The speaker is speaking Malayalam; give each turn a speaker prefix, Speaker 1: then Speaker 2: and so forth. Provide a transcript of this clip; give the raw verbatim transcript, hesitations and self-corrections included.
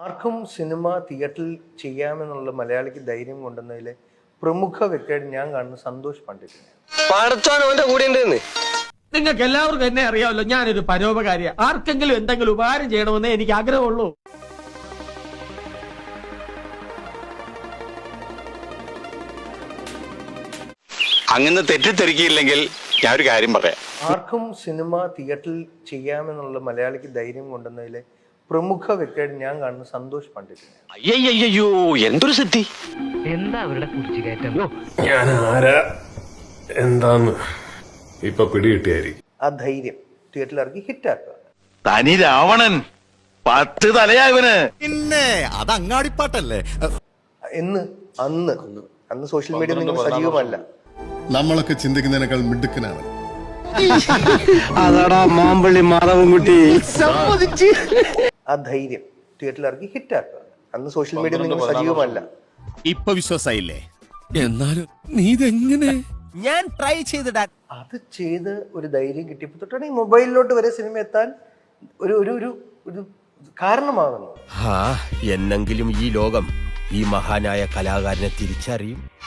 Speaker 1: ആർക്കും സിനിമ തിയേറ്ററിൽ ചെയ്യാമെന്നുള്ള മലയാളിക്ക് ധൈര്യം കൊണ്ടുവന്നതിലെ പ്രമുഖ വ്യക്തിയായിട്ട് ഞാൻ കാണുന്ന സന്തോഷ് പണ്ഡിറ്റിനെ.
Speaker 2: നിങ്ങൾക്ക് എല്ലാവർക്കും എന്നെ അറിയാമല്ലോ, ഞാനൊരു പരോപകാരിയാ. ആർക്കെങ്കിലും എന്തെങ്കിലും ഉപകാരം ചെയ്യണമെന്നേ എനിക്ക് ആഗ്രഹമുള്ളൂ.
Speaker 3: അങ്ങനെ തെറ്റിദ്ധരിക്കില്ലെങ്കിൽ ഞാൻ ഒരു കാര്യം പറയാം.
Speaker 1: ആർക്കും സിനിമ തിയേറ്ററിൽ ചെയ്യാമെന്നുള്ള മലയാളിക്ക് ധൈര്യം കൊണ്ടുവന്നതിലെ പ്രമുഖ വ്യക്തിയായിട്ട് ഞാൻ കാണുന്ന സന്തോഷ് പണ്ഡിറ്റിനെ.
Speaker 3: അയ്യോ എന്തൊരു സിദ്ധി!
Speaker 4: എന്താ അവരുടെ കുറിച്ചുകയറ്റം?
Speaker 5: ഞാൻ ആരാ എന്താന്ന് ഇപ്പൊ പിടികിട്ടിയായിരിക്കും.
Speaker 1: ആ ധൈര്യം തിയേറ്ററിൽ ഇറക്കി ഹിറ്റാക്കുക.
Speaker 3: തനി രാവണൻ പത്ത് തലയായവന്.
Speaker 6: പിന്നെ അത് അങ്ങാടിപ്പാട്ടല്ലേ
Speaker 1: എന്ന് അന്ന് അന്ന് സോഷ്യൽ മീഡിയ നിങ്ങൾ സജീവമല്ല.
Speaker 6: നമ്മളൊക്കെ ചിന്തിക്കുന്നതിനേക്കാൾ മിടുക്കനാണ്.
Speaker 2: അതാടാ മാമ്പള്ളി മാധവൻകുട്ടി.
Speaker 1: ആ ധൈര്യം തിയേറ്ററിൽ ഇറക്കി ഹിറ്റാക്കുക. അന്ന് സോഷ്യൽ മീഡിയ നിങ്ങൾ സജീവമല്ല.
Speaker 6: ഇപ്പൊ വിശ്വാസായില്ലേ? എന്നാലും നീ ഇതെങ്ങനെ? ഞാൻ ട്രൈ ചെയ്തിടാൻ
Speaker 1: അത് ചെയ്ത് ഒരു ധൈര്യം കിട്ടിയപ്പോൾ തൊട്ടാണ് ഈ മൊബൈലിലോട്ട് വരെ സിനിമ എത്താൻ ഒരു ഒരു ഒരു ഒരു കാരണമാകുന്നു.
Speaker 7: എന്നെങ്കിലും ഈ ലോകം ഈ മഹാനായ കലാകാരനെ തിരിച്ചറിയും.